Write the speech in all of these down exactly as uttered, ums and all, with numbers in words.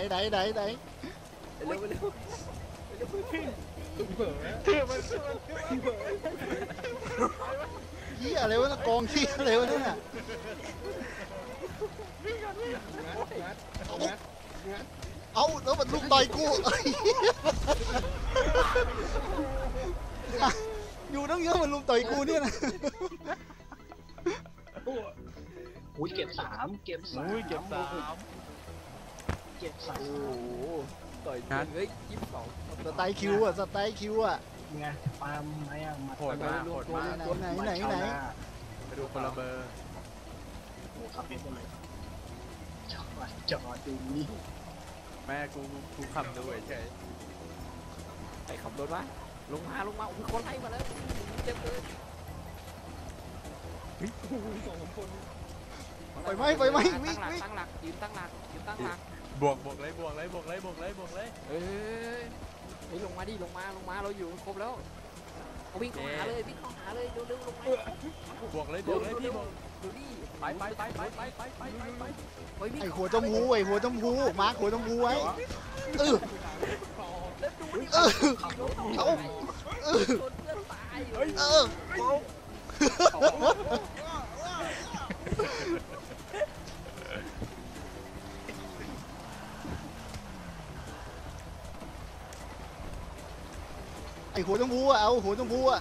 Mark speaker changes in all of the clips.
Speaker 1: ไหนไหนไหน
Speaker 2: เร็วเร็ว
Speaker 3: ถือมันถือมันถือมัน
Speaker 1: เหี้ยอะไรวะกองเหี้ยอะไรวะนั่นน่ะเอาแล้วมันลุมต่อยกูอยู่ตั้งเยอะมันลุมต่อยกูเนี่ยนะ
Speaker 4: อุ้ยเก็บสามเก็บสาม
Speaker 3: อุ้ยเก็บสาม
Speaker 4: เก็บสาม
Speaker 2: โอ้โหต่อยกันเฮ้ยยี่สิบสอง
Speaker 1: สไตล์คิวอ่ะสไตล์คิวอ่ะ
Speaker 4: ไงปาล์มไหมอ่ะมา
Speaker 3: โหดมากโหดมาก
Speaker 1: ไหนไหนไหน
Speaker 3: ไปดูคนละเบอร์
Speaker 4: โอ้ขับเป็นคนเลยจอดจอดดูนี่
Speaker 3: แม่กูกูขับดูเฉย
Speaker 2: ไอ้ขับรถวะลงมาลงมาโอ้ยคนไล่มาแล้วเจ็บเลย
Speaker 1: ไฟไหม้ไฟไหม้วิ่ง
Speaker 2: ตั้งหลัก
Speaker 1: วิ่ง
Speaker 2: ตั้งหลักยืนตั้งหลักยืนตั้งหลัก
Speaker 3: บวกบวกเลยบวกเลยบวกเลยบวกเลยบวกเลย
Speaker 2: เฮ้ยเฮ้ยลงมาดิลงมาลงมาเราอยู่ครบแล้ววิ่งเข้าหาเลยวิ่งเข้าหาเลยเร็วๆลงมา
Speaker 3: บวกเลยบวกเลยพี่บวก
Speaker 2: ดูดิ
Speaker 3: ไปไปไปไปไปไปไปไปไป
Speaker 2: เฮ้ยวิ่ง
Speaker 1: ไอ้หัวจมพูไอ้หัวจมพูมาร์คหัวจมพูไว้เออเออเอาเออ
Speaker 2: ชนเพื่อนตาย
Speaker 1: เออไอ้หัวจมพูอ่ะเอาหัวจมพูอ่ะ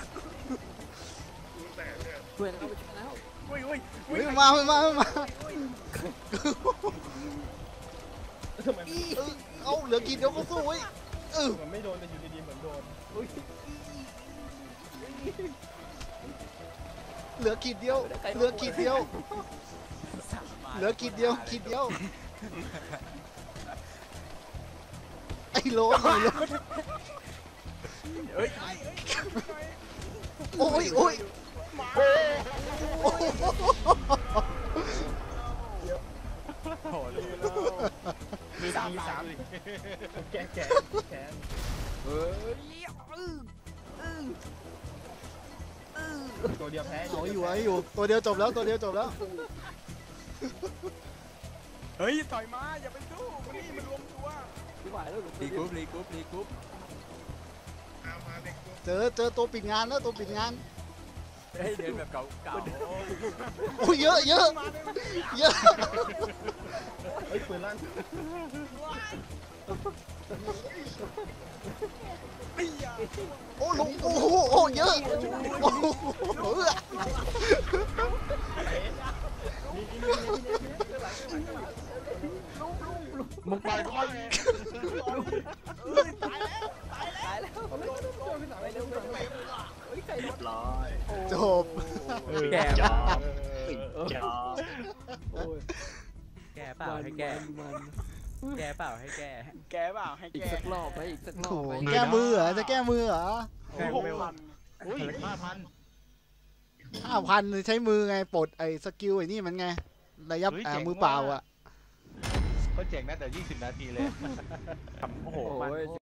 Speaker 2: ช่วยแล้วไปช่วยแล้ว
Speaker 3: อุ้ยอุ้ย
Speaker 1: เฮ้ยมามามาเอาเหลือกี่เดียวก็สู้เว้ยเออ
Speaker 3: มันไม่โดนแต่อยู่ดีๆเหมือนโดน
Speaker 1: เหลือขีดเดียวเหลือขีดเดียวเหลือขีดเดียวขีดเดียวไอ้โลไอ้โล
Speaker 3: เฮ้ย
Speaker 1: โอ้ยโอ้ยโอ้ย
Speaker 3: โหเลยมีสามสามแกแกแก
Speaker 2: เฮ้ยอื้ออื้ออื้อ
Speaker 3: ตัวเดียวแพ้
Speaker 1: เอาอยู่ไอ้อยู่ตัวเดียวจบแล้วตัวเดียวจบแล้ว
Speaker 3: เฮ้ยต่อยมาอย่าไปสู้มันนี่มันรวมตัว
Speaker 2: ไม่ไหวแล้ว
Speaker 3: รีกรุ๊ปรีกรุ๊ปรีกรุ๊ป
Speaker 1: เจอเจอตัวปิดงานแล้วตัวปิดงาน
Speaker 3: เฮ้ยเดินแบบเก่าเก่า
Speaker 1: โอ้ยเยอะเยอะเยอะ
Speaker 3: เฮ้ยปืนลั่น
Speaker 1: โอ้ลุงโอ้โหโอ้เยอะโอ้โห
Speaker 3: มึงไปก็ไม่
Speaker 2: ตายแล้วตายแล้วไปเร็วไปเร็วเฮ้ยใคร
Speaker 4: เรี
Speaker 2: ร
Speaker 4: ย
Speaker 2: ถ
Speaker 4: บร้อย
Speaker 1: จบ
Speaker 3: แก
Speaker 4: จอบจอบ
Speaker 2: โอ้ย
Speaker 5: แกเปล่าให้แก
Speaker 2: มัน
Speaker 5: แกเปล่าให้แก
Speaker 3: แกเปล่าให้
Speaker 2: อีก
Speaker 3: แก
Speaker 2: สักรอบไหมอีกสักรอ
Speaker 1: โอ้
Speaker 2: บ
Speaker 1: โห
Speaker 2: ไหม
Speaker 1: แก้มือเหรอจะแก้มือเหรอ
Speaker 3: แกหกพันอุ้ยห้าพัน
Speaker 1: ห้าพันใช้มือไงปลดไอ้สกิลไอ้นี่มันไงระยับอ่ามือเปล่าอ่ะ
Speaker 3: เขาเจ๋งนะแต่ยี่สิบนาทีเลยโอ้โห
Speaker 2: โอ้ย